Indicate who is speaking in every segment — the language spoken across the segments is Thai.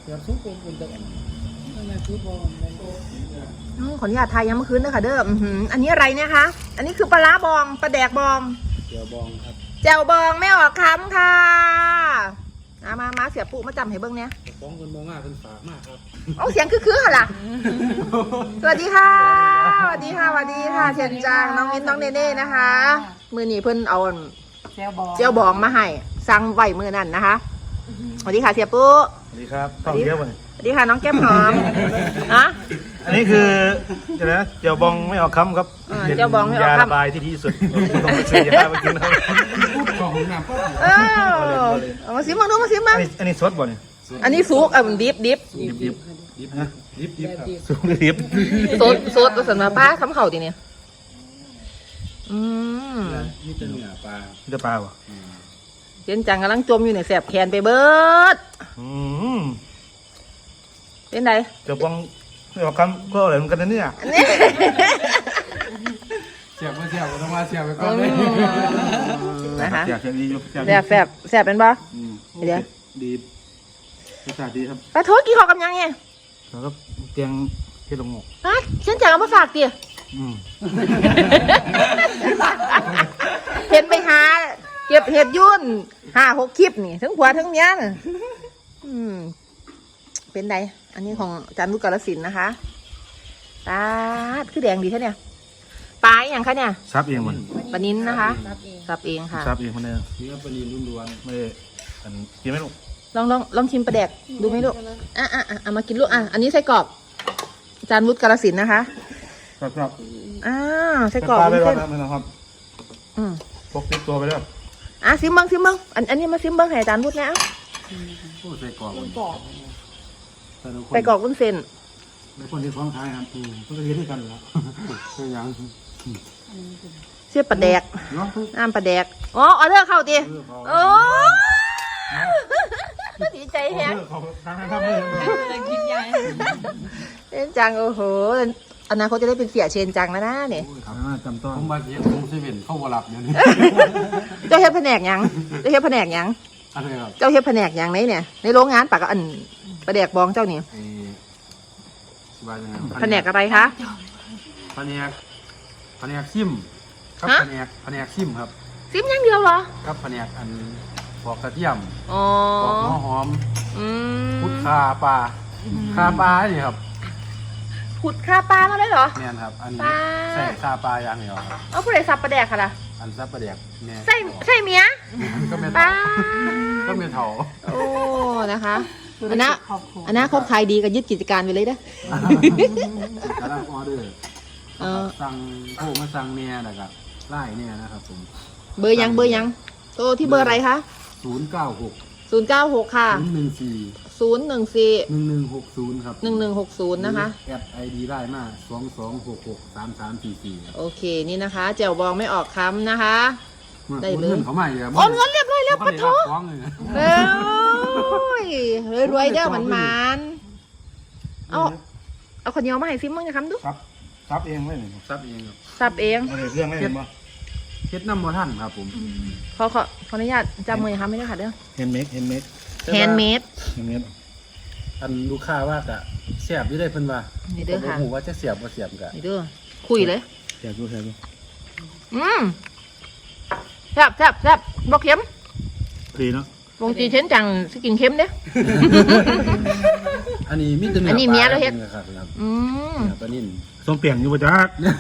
Speaker 1: เดี๋ยวซุปเป็นตะวันนั่นแหละซุปบอล
Speaker 2: ขออนุญาตทายยังเมื่อคืนนะคะเด้ออันนี้อะไรเนี่ยคะอันนี้คือปลาร้าบองปลาแดกบอง
Speaker 1: เดี๋ยวบองครับ
Speaker 2: แจ่วบองไม่ออกคำค่ะมาเสียปุ๊มาจำให้เบิ้งเนี่ย
Speaker 1: ฟ้องคนมองมากเป็นฝากมากครับ
Speaker 2: เอาเสียงคือค่ะล่ะสวัสดีค่ะสวัสดีค่ะเชียนจางน้องมิ้นน้องเนเน่นะคะมือหนีเพิ่นเอาเจียวบองมาให้สั่งไว้มือนั่นนะคะสวัสดีค่ะเสียปุ๊
Speaker 3: สวัสดีครับต้องเยอะกว่านี้
Speaker 2: สวัสดีค่ะน้องแก้มหอมอะ
Speaker 3: อันนี้คือเดี๋ยวนะเจียวบองไม่ออกคำครับ
Speaker 2: เจียวบองไม่ออกคำ
Speaker 3: ยาระบายที่ดีที่สุดต้องไปซื้อยามากินครับ
Speaker 1: พูดของหนักก็
Speaker 2: เอามาซิมาดูมาซิมา
Speaker 3: อันนี้สดบ่เนี่ย
Speaker 2: อันนี้ซุกดิบ
Speaker 3: ดิบนะ
Speaker 1: ดิบครับ
Speaker 3: สุกหรือดิบ
Speaker 2: สดสนมาป้าทำเข่าทีเนี่ย
Speaker 1: นี่จะเนื้อปลา
Speaker 3: นี่จะปลาบ่
Speaker 2: เจนจังกำลังจมอยู่เนี่ยแสบแขนไปเบิดเป็นไง
Speaker 3: เจียวบองไม่ออกคำก็อะไรเหมือนกันนะเนี่ย
Speaker 2: นี่
Speaker 1: เสียบมาเสียบต้องมาเสียบไปก่อนเลย
Speaker 2: นะคะ
Speaker 3: อยากจะดีอยู่
Speaker 2: แสบเป็นปะเดี๋ยว
Speaker 3: ดีรสชาติดีครับ
Speaker 2: ปลาโทษกี่ขอกับยังไง
Speaker 3: แล้วก็เตียงที่ลงหมก
Speaker 2: ฮะเจนจังเอามาฝากเตี๋ยเห็นไปหาเก็บเห็ดยุ่น5-6 คลิปนี่ทั้งผัวทั้งเมียน่ะเป็นไงอันนี้ของอาจารย์ลูกกาฬสินธุ์นะคะตาดคือแดงดีแค่เนี่ยปลาอย่างคะเนี่ย
Speaker 3: ซับเองมัน
Speaker 2: ปลานิ้นนะคะสับเองค่ะ
Speaker 3: ซับเองมันเนี่ย
Speaker 1: นี่ก็ปลานิลล้วน
Speaker 3: ไม่ได้อันกินไม่ลง
Speaker 2: ลองชิมปลาแดกดูไหมลูกเอามากินลูกอันนี้ไส้กรอกอาจารย์วุฒิกาฬสินธุ์นะคะ
Speaker 3: ครับ
Speaker 2: ไส้กรอก
Speaker 3: ปลาไปรอ
Speaker 2: เส้
Speaker 3: ด
Speaker 2: น
Speaker 3: นะครับพกติดตัวไปแล้ว
Speaker 2: ซิมเบิ้งอันนี้มาซิมเบิ้งให้อาจารย์วุฒิแล้ว
Speaker 1: ๆผู้ใส่กรอก
Speaker 2: ไส้กรอกวุ้นเส้น
Speaker 1: ในคนที่คล้องท้ายครับก็จะเรียนด้วยกันแล้วก็ยัง
Speaker 2: เสียบปลาแดก
Speaker 1: เนาะ
Speaker 2: น้ำปลาแดกออเดอร์เข้าตีโอ้ดีใจแฮะ
Speaker 3: เขาทำเลย
Speaker 2: เชนจังโอ้โหอนาคตจะได้เป็นเสียเชนจังแล้วนะเนี่ย
Speaker 1: จำต้องผมมาเรียนผมเซเว่นเข้าวหลับอย่างนี้
Speaker 2: เจ้าเฮ็ดแผนกยังอะไรครับ
Speaker 1: อะไรครับ
Speaker 2: เจ้าเฮ็ดแผนกยังเนี่ยในโรงงานปากอันปลาแดกบองเจ้านี่
Speaker 1: สบายยังไง
Speaker 2: แผนกอะไรคะ
Speaker 1: แผนกซิมครับแผนกซิมครับ
Speaker 2: ซิมอย่างเดียวเหรอ
Speaker 1: ครับแผนกอันปอกกระเทียม
Speaker 2: อ๋อ
Speaker 1: ปอกหัวหอม
Speaker 2: พุ
Speaker 1: พุ
Speaker 2: ด
Speaker 1: ดคาปลานี่ครับ
Speaker 2: พุดคาปลามาได้เหรอ
Speaker 1: เนี่ยครับอันนี้
Speaker 2: ปลา
Speaker 1: ใส่คาปลาอย่างเดียวครับ
Speaker 2: เอาผู้ใดสับปลาแดกค่ะล่ะ
Speaker 1: อันซับประเดียกเนี่ย
Speaker 2: ใส่เมีย
Speaker 1: ก็เม
Speaker 2: ปลา
Speaker 1: ก็เมทัล
Speaker 2: โอ้นะคะอันนะคบขายดีก็ยึดกิจการไปเลยนะ
Speaker 1: กำลังออเดอร์สั่งโทรมาสั่งเนี่ยนะครับไล่เนี่ยนะครับผม
Speaker 2: เบอร์ยังโตที่เบอร์อะไรคะ
Speaker 1: 096
Speaker 2: 096 ค่ะ
Speaker 1: 014
Speaker 2: 014
Speaker 1: 1160ครับ
Speaker 2: 1160นะคะ
Speaker 1: แอดไอดีได้มา22663344ครับ
Speaker 2: โอเคนี่นะคะแจ่วบองไม่ออกคำนะคะ ได้เลย
Speaker 1: เงินเขาใหม่เลย
Speaker 2: โอนเงินเรียบร้อยแล้วปะโถ
Speaker 1: ฟ้องเลยนะ
Speaker 2: เอ้ยรวยๆเด้อมันเอาคนเดียวมาให้ซิมมึงนะครับดู
Speaker 3: ซับเองไม่
Speaker 1: ซับเองครับ
Speaker 2: สับเอง
Speaker 3: ไม่ได้เรื่องไม่เห็นป่ะ
Speaker 1: เฮ็ดน้ำมอท่านครับผม
Speaker 2: ขออนุญาตจำมือนะคะไม่ได้ค่ะเด้อ
Speaker 3: เฮนเมด
Speaker 2: แฮนด์เมด
Speaker 1: อันลูกค้าว่ากะเสียบอยู่ได้เพิ่นว่า
Speaker 2: นี่เด้อค่ะ
Speaker 1: ผมว่าจะเสียบบ่เสียบกะ
Speaker 2: นี่เด้อคุยเลย
Speaker 3: แซ่บดู
Speaker 2: แซ่บบอกเค็ม
Speaker 3: ดีเนาะ
Speaker 2: วงจีเช่นจังสกินเค็มเด้อ
Speaker 1: อันนี้มีแต่เนื้
Speaker 2: อันนี้เมียเราเฮ็ด
Speaker 1: ครับครับ
Speaker 2: อืม
Speaker 1: ปลานิ่น
Speaker 3: ส้มเปียงอยู่ป่ะจ๊ะ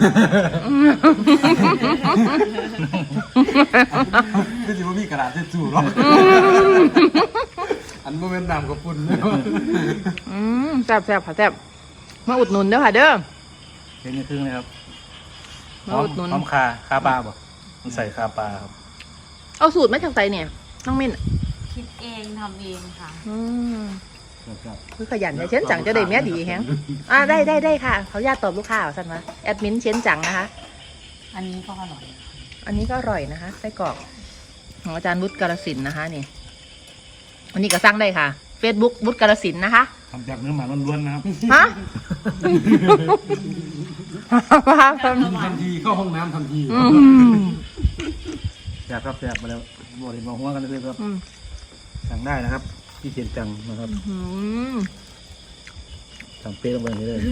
Speaker 1: คือสิบ่มีกระดาษทิชชู่หรอกอันบ่แม่นน้ำกับปุ่น
Speaker 2: แซ่บค่ะแซ่บมาอุดหนุนเด้อค่ะเด้อ
Speaker 3: เห็นในครึ่งเลยครับ
Speaker 2: มาอุดหนุน
Speaker 3: พร้อมคาปลาป่ะมันใส่คาปลาครับ
Speaker 2: เอาสูตรมาจากไหนเนี่ยน้องมิ้น
Speaker 4: คิดเองทำเองค่ะ
Speaker 2: คือขยันเนี่ยเช่นจังจะได้เมียดีแฮงได้ค่ะเขาญาติตอบลูกค้าสั่นมาแอดมินเช่นจังนะคะ
Speaker 4: อันนี้ก็อร่อย
Speaker 2: อันนี้ก็อร่อยนะคะไส้กรอกของอาจารย์วุฒิกาฬสินธุ์นะคะนี่อันนี้ก็สั่งได้ค่ะ Facebook วุฒิกาฬสินธุ์นะคะ
Speaker 3: ทำจากเนื้อหมาล้วนๆนะครับ
Speaker 2: ฮะ
Speaker 1: ทันทีเข้าห้องน้ำทันที
Speaker 3: อยากครับอยากมาแล้วบอกเลยมาหัวกันเลยครับสั่งได้นะครับที่เชียนจังนะครับ
Speaker 2: อืม
Speaker 3: สั่งเป๊ะลงไปอย่างนี้เลย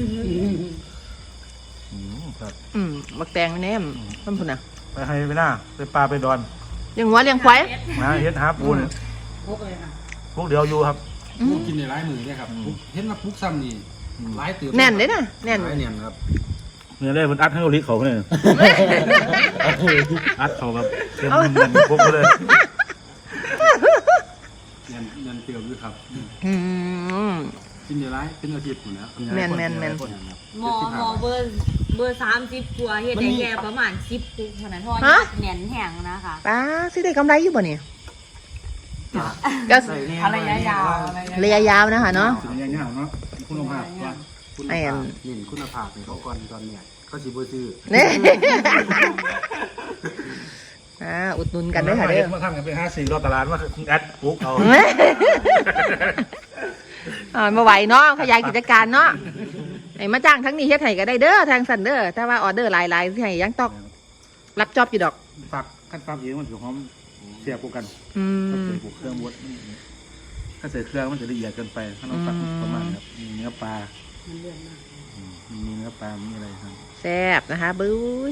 Speaker 3: ครับ
Speaker 2: บักแตงแน่มท่านผู้น่ะ
Speaker 3: ไปให้ไปหน้าไปปลาไปดอน
Speaker 2: เลี้ยงวัวเลี้ยงควาย
Speaker 3: มาเฮ็ดหาปูเนี่ย
Speaker 4: พกเลยค่ะ
Speaker 3: พวกเดียวอยู่ครับ
Speaker 1: ปุ๊กกินในร้ายมือเนี่ยครับปุ๊กเห็นว่าปุ๊กซ้ำนี่ร้ายตื่น
Speaker 2: แน่นเลยนะแน่น
Speaker 1: ร้ายเนียนครับ
Speaker 3: เนี่ยได้มันอัดให้โอลิเขาเนี่ยอัดเขาแบบเต็มมันพวกเลย
Speaker 1: เนียนเตียวด้วยครับ
Speaker 2: อืม
Speaker 1: กินในร้ายเป็นอาทิตย์หมดแล้ว
Speaker 2: แม่น
Speaker 4: หมอเบอร์30กว่าเฮ็ดได้แค่ประมาณ10ปุ๊กเท่านั้นเพราะว่าแหน่นแห้งนะคะ
Speaker 2: ป้าซื้อได้กำไรอยู่บ่เนี่ยก็
Speaker 4: อะไรยาว
Speaker 2: ระยะยาวนะคะเนาะ
Speaker 3: สิ่งอย่างเนาะคุณภาพว่า
Speaker 1: คุณภาพนี่คุณภาพในเขาก่อนตอนเนี่ยเขาสิบ่ซื้อ
Speaker 2: เนี่ยอุดหนุนกันด้วยค่ะเด้อ
Speaker 3: มาทำกันไป54รอบตลาดว่าแอดปุ๊กเอา
Speaker 2: มาไหวเนาะขยายกิจการเนาะไอ้มาจ้างทั้งนี้เฮ็ดให้ก็ได้เด้อทางสันเด้อถ้าว่าออเดอร์หลายๆที่ให้ยังต้องรับจอบอยู่ดอก
Speaker 3: ฝากขั้นฝากเองมันถือหอมเสียบกัน ถ้าใส่พวกเครื่องบดถ้าใส่เครื่องมันจะละเอียดเกินไปถ้าเราตัดประมาณครับมีเนื้อปลามีเนื้อปลามีอะไรครับ
Speaker 2: แซ่บนะคะบื้อ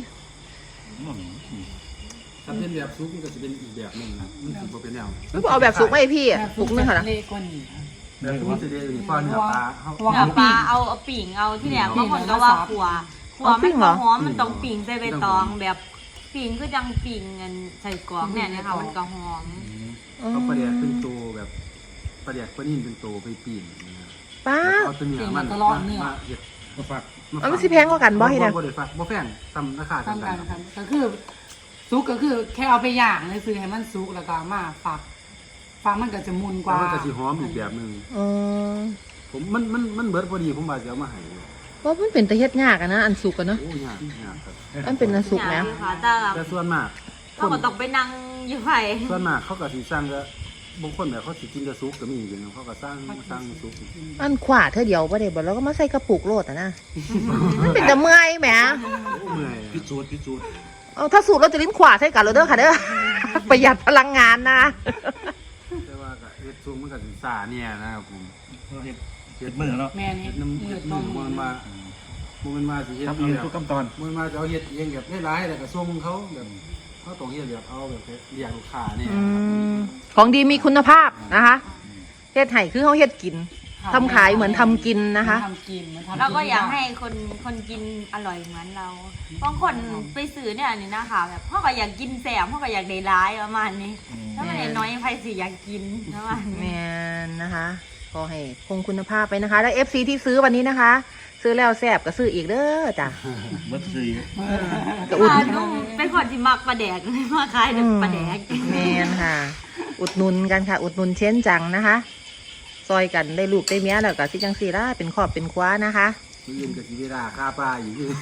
Speaker 1: ถ้าเป็นแบบซุปมันก็จะเป็นอีกแบบหนึงนะมันสิบ่เป็นแนว
Speaker 2: เอาแบบสุกไหมพี่สุกนึงค่ะนะ
Speaker 4: เล็กกว่านี้
Speaker 1: แบบซุปมันจะได้ฟ้าเนื้อปลาเฮา
Speaker 4: เนื้อปลาเอาปิ่งเอาที่แหลมบางคนก็ว่าขัวมันก็หอมมันต้องปิ่งใส่ใบตองแบบปิ่งคือจังปิ่งเงินใส่กรอกเนี่ยค่ะมันก็หอม
Speaker 1: เขาประเดี๋ยวเป็นตัวแบบประเดี๋ยวปลานิ่มเป็นตัวไปปีนนะครับ
Speaker 2: ป้า
Speaker 1: แล้วเอาตัวเนื้อมันมาเห็ดมาฝัก
Speaker 2: มันสิแพงกว่ากันบ่เฮ็ดอ่ะ
Speaker 1: บ่ได้ฝักบ่แพงซ้ำราคา
Speaker 5: ทำ
Speaker 1: ซ้ำกั
Speaker 5: กัน นครับก็คือซุกก็คือแค่เอาไปย่างเลยซื้อให้มันซุกแล้วก็มาฝักมันก็จะมุนก
Speaker 1: กว่า
Speaker 5: ว่า
Speaker 1: มันก็สิหอมอีกแบบหนึง
Speaker 2: อ๋อ
Speaker 1: ผมมันเบิดพอดีผมว่าจะเอามาให้
Speaker 2: ว่ามันเป็นตะเฮ็ดยากอะนะอันสุกอะเนาะ
Speaker 1: โอ้ยากครับ
Speaker 2: มันเป็นอันสุก
Speaker 4: อ
Speaker 2: แล้
Speaker 4: ย่าว งนี้ค่ะแต่
Speaker 1: แต่ส่วนมาก
Speaker 4: เราก็ต้องไปนั่งอยู่ไผ
Speaker 1: ส่วนมากเขาก็สิสั่งก็บางคนแบบเขาสิกินแต่ซุปก็มีอยู่นะเขาก็สั่งซุป
Speaker 2: อันขวาเธอเดียวบ่ได้บ่แล้วก็มาใส่กระปุกโลดอะนะมันเป็นแต่เมื่อยแหม
Speaker 1: โอ้เมื่อย
Speaker 3: พิจูด
Speaker 2: เอาถ้าสูตรเราจะลิ้นขวาใส่กันเราเด้อค่ะเด้อ ประหยัดพลังงานนะ
Speaker 1: แต่ว่าก็เฮ็ดซุปมันก็สิซ่าเนี่ยนะครับผม
Speaker 3: เห็ดมือเนาะ
Speaker 5: แม่นี่
Speaker 1: เฮ็ดน้ำ
Speaker 5: เลื
Speaker 1: เฮ็
Speaker 5: อ
Speaker 1: ด
Speaker 5: ดต้
Speaker 1: มื
Speaker 5: ม
Speaker 1: อมันมามันมาสิเฮ็ด
Speaker 3: ทำ
Speaker 1: เอา
Speaker 3: เอง
Speaker 1: แบบ
Speaker 3: ทุกขั้นตอน
Speaker 1: มันมาจะเอาเฮ็ดเองแบบให้ร้ายแต่ก็ส่งเขาแบบเขาต้องเฮ็ดแบบเอาแบบเรียกลูกค้าเนี่ย
Speaker 2: ของดีมีคุณภาพนะคะเฮ็ดไห่คือเขาเฮ็ดกินทำขายเหมือนทำกินนะคะ
Speaker 5: ทำกินมันทำ
Speaker 4: เราก็อยากให้คนกินอร่อยเหมือนเราบางคนไปซื้อเนี่ยนี่นะคะแบบพ่อก็อยากกินแสบพ่อก็อยากได้ร้ายประมาณนี้ถ้ามันได้น้อยไผสิอยากกินประมาณ
Speaker 2: แม
Speaker 4: นี้
Speaker 2: นนะคะก็ให้คงคุณภาพไปนะคะ แล้ว FC ที่ซื้อวันนี้นะคะ ซื้อแล้วแซ่บก็ซื้ออีกเด้อจ้ะ
Speaker 3: เบิร์ดซี
Speaker 2: ก็อุด
Speaker 4: นุ่มเป็นคนที่มักปลาแดกมาขายแต่ปลาแดก
Speaker 2: แมนค่ะ อุดหนุนกันค่ะ อุดหนุนเช่นจังนะคะ ซอยกันได้ลูกได้เมียแล้วก็สิจังสีล่ะเป็นครอบเป็นคว้านะคะ
Speaker 1: มันยืนกับชีวิตาค่าปลาอยู่ที่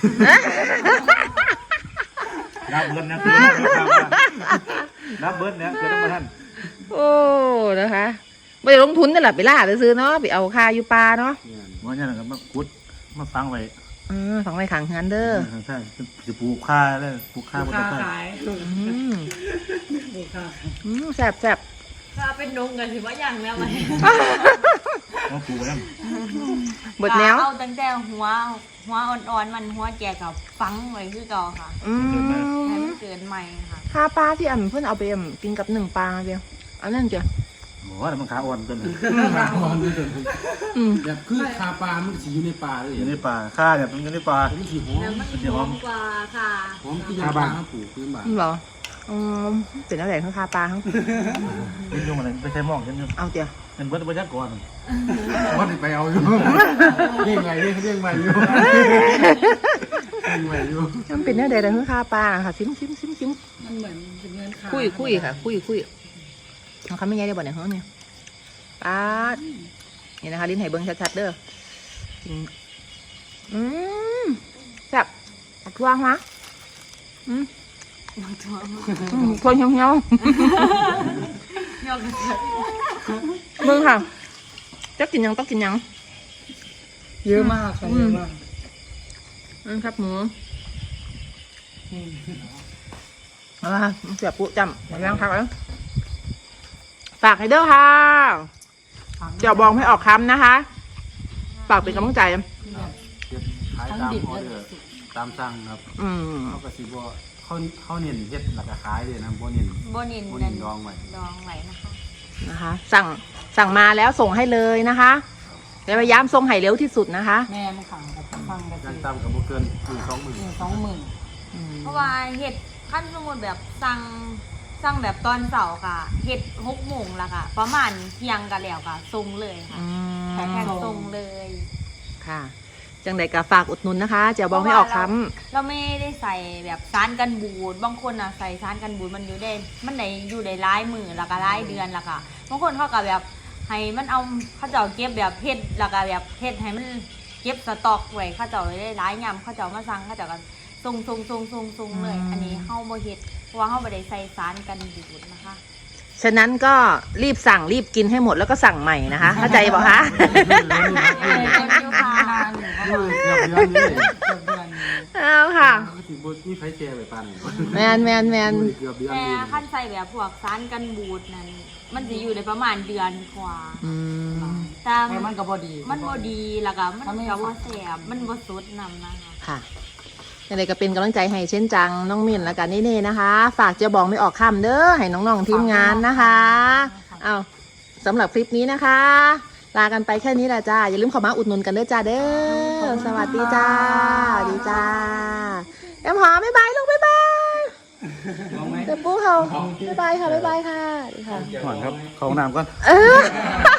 Speaker 3: รับเบิร์ดนะคือรับเบิร์ดเนี่ยคือต้องมาท่าน
Speaker 2: โอ้นะคะไม่ได้ลงทุนนี่แหละไปล่าไปซื้อเนาะไปเอาคาอยู่ปลาเนาะ
Speaker 1: เนี่ย
Speaker 3: ว่าเนี่ยนะครับมากุดมาฟังไว้
Speaker 2: ฝังไว้ขังเฮือนเด้อ
Speaker 3: ใช่จะปลูกข้าเลยปลูกข้าบน
Speaker 5: ค้า
Speaker 3: ต้น
Speaker 5: ขาย
Speaker 2: อืม
Speaker 5: ลูกค้า
Speaker 2: แซ่บแซ่บ
Speaker 4: ถ้าเป็นนงกันถือว่ายังแล้วไหม
Speaker 3: ต้องปลูกแล้ว
Speaker 2: เบิดแนว
Speaker 4: เอาตั้งแต่หัวอ่อนๆมันหัวแก่กับฟังไว้คือเก่าค่ะ
Speaker 2: อืม
Speaker 4: ให้มันเกินใหม่ค่ะ
Speaker 2: คาปลาที่อันเพิ่นเอาไปกินกับหนึ่งปลาเดียวอันนั้นเจ้ะ
Speaker 3: โอ้แต่มันขาอ่อนต้น
Speaker 1: ค่าปลามันเป็น
Speaker 2: อืม
Speaker 1: แบบคือค่าปลามันสิอยู่ในปลาเลย
Speaker 3: อยู่ในป่าข้าเนี่ยมันอยู่ในป่า
Speaker 1: มันสิหอม
Speaker 4: แล้วมันหอมกว่าค่ะ
Speaker 1: หอมที่ยาปลาเขาปลูกพื้นบ้าน
Speaker 2: เหรอเป็นอะไรข้างคาปลาเขา
Speaker 3: ยิ่งยุ่งอะไรไม่ใช่มองฉัน
Speaker 2: เอาเจ้ะ
Speaker 3: เป็นเบิร์ดบรรยากาศ
Speaker 1: ว่าไปเอาอยู่เรียกไงเรียกใหม่อยู่เรียกใหม่อยู่
Speaker 2: มันเป็นอะไรข้างคาปลาค่ะซิม
Speaker 5: มันเหมือนเป็นเงินขาย
Speaker 2: คุยค่ะคุยเขาไม่ใหญ่ได้บ่เนี่ยเฮ้ยเนี่ยปลานี่นะคะลิ้นไห่เบิ้งชัดๆเด้อแซ่บทั่วฮะทั่วเหี่ยว
Speaker 4: ยอกกระเจิด
Speaker 2: ๆเบิ้งค่ะจะกินยังต้องกินยัง
Speaker 5: เยอะมากค่ะเยอะมาก
Speaker 2: ครับหมูเอาละค่ะเสียบปุ๊จำมาย่างพักแล้วฝากให้เด้อค่ะเดี๋ยวบองให้ออกคำนะคะฝากเป็นกำลังใจ
Speaker 1: เฮ็ดขายตามออเดอร์ตามสั่งครับ
Speaker 2: อืม
Speaker 1: เขาก็สิบ่เขาเน้นเฮ็ดแล้วก็ขายเลยนะบ่เน้น
Speaker 4: โบนิน
Speaker 1: บ่เน้นดองไว้
Speaker 4: ดองไว้นะคะ
Speaker 2: นะคะ สั่งมาแล้วส่งให้เลยนะคะเดี๋ยวพยายามส่งให้เร็วที่สุดนะคะ
Speaker 5: แม่มันขังกับฟังกับ
Speaker 1: ยังตามกับบ่เกิน
Speaker 5: 20,000
Speaker 4: เพราะว่าเห็ดขั้นสมมติแบบสั่งแบบตอนเสาร์ค่ะเห็ด6 โมงละค่ะ ประมาณเที่ยงกันแล้วค่ะส่งเลยค่ะ
Speaker 2: อืม
Speaker 4: แพ็คส่งเลย
Speaker 2: ค่ะ จังใดก็ฝากอุดหนุนนะคะเจียวบองไม่ออกค
Speaker 4: เราไม่ได้ใส่แบบสารกันบูดบางคนอ่ะใส่สารกันบูดมันอยู่ได้มันได้อยู่ได้หลายมือแล้วก็หลายเดือนแล้วค่ะบางคนเขาก็แบบให้มันเอาเขาจะเอาเก็บแบบเฮ็ดแล้วก็แบบเฮ็ดให้มันเก็บสต็อกไว้เขาจะเอาไว้ได้หลายยำเขาจะเอามาสั่งเขาจะกันส่งเลย อันนี้เฮาบ่เฮ็ดเพราะว่าเฮาบ่ได้ใส่สารกันบูดนะคะ
Speaker 2: ำฉะนั้นก็รีบสั่งรีบกินให้หมดแล้วก็สั่งใหม่นะคะ เข้าใจบอกคะ
Speaker 1: เกือบเดือนเลย
Speaker 2: เอาค่ะ
Speaker 1: ก็สิบ่มีไผแชร์ไว้ปานนี้
Speaker 2: แมน
Speaker 1: เกือบเดือน
Speaker 4: แต่
Speaker 1: เลย
Speaker 4: ขั้นใส่แบบพวกสารกันบูดนั้นมันจะอยู่ได้ประมาณเดือนกว่า
Speaker 2: อืม
Speaker 4: แต่
Speaker 5: แต่มันก็บ่ดี
Speaker 4: มันบ่ดีแล้วก็มันก็บ่แซ่บมันบ่สดนำนะคะ
Speaker 2: ค่ะยังไงก็เป็นกำลังใจให้เช่นจังน้องมินและกันเน่ๆนะคะ ฝากเจียวบองไม่ออกคำเด้อให้น้องๆทีมงานนะคะเอาสำหรับคลิปนี้นะคะ ลากันไปแค่นี้แหละจ้าอย่าลืมเข้ามาอุดหนุนกันเด้อจ้าเด้อสวัสดีจ้าสวัสดีจ้าแอมหอมบ๊ายบายลูกบ๊ายบายเดี๋ยวปูเขาบ๊ายบายค่ะบ๊ายบายค่ะสวัสดีค่ะ
Speaker 3: ก่อนครับเข้าห้องน้ำก่อน
Speaker 2: เออ